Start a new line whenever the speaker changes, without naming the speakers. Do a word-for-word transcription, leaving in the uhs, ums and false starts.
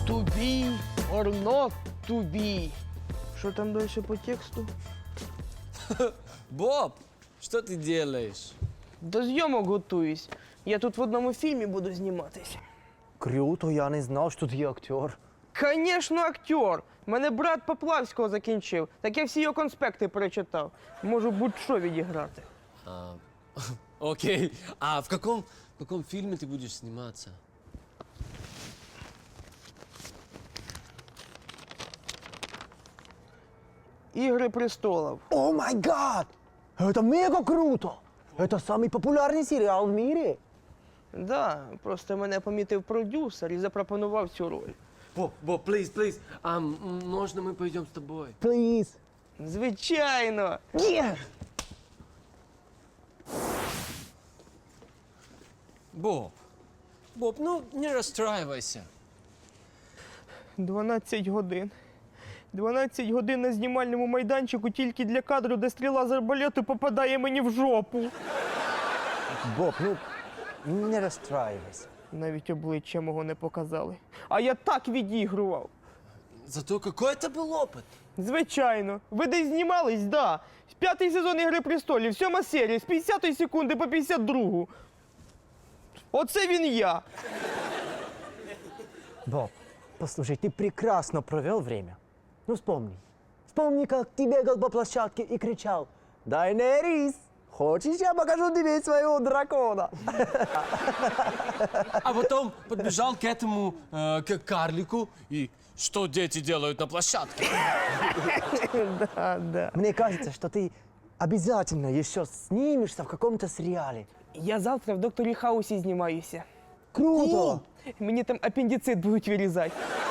To be or not to be. Що там далі по тексту?
Боб, что ты делаешь?
До зйомок готуюсь. Я тут в одному фільмі буду зніматися.
Круто, я не знав, що ти є актер.
Конечно, актер. Мене брат Поплавського закінчив. Так я всі його конспекти перечитав. Можу будь-що відіграти.
А, окей. А в каком, в каком фильме ты будешь сниматься?
Ігри престолів.
О май гад! Это мега круто! Это самый популярный сериал в мире.
Да, просто мене помітив продюсер і запропонував цю роль.
Боб, Боб, please, please. А м, можно мы пойдем с тобой?
Please.
Звичайно.
Yeah.
Боб, Боб, ну не расстраивайся.
дванадцять годин. дванадцять годин на знімальному майданчику тільки для кадру, де стріла з арбалету попадає мені в жопу.
Боб, ну не розстраювайся.
Навіть обличчя мого не показали. А я так відігрував.
Зато какой это был опыт.
Звичайно. Ви десь знімались? Да. П'ятий сезон «Ігри престолів», сьома серія, з п'ятдесятої секунди по п'ятдесят другу. Оце він я.
Боб, послушай, ты прекрасно провел время. Ну вспомни. Вспомни, как ты бегал по площадке и кричал: «Дайнерис, хочешь, я покажу тебе своего дракона?»
А потом подбежал к этому, э, к карлику, и что дети делают на площадке?
Да, да.
Мне кажется, что ты обязательно еще снимешься в каком-то сериале.
Я завтра в «Докторі Хаусі» знімаюся.
Круто!
Мені там апендицит будуть вирізати.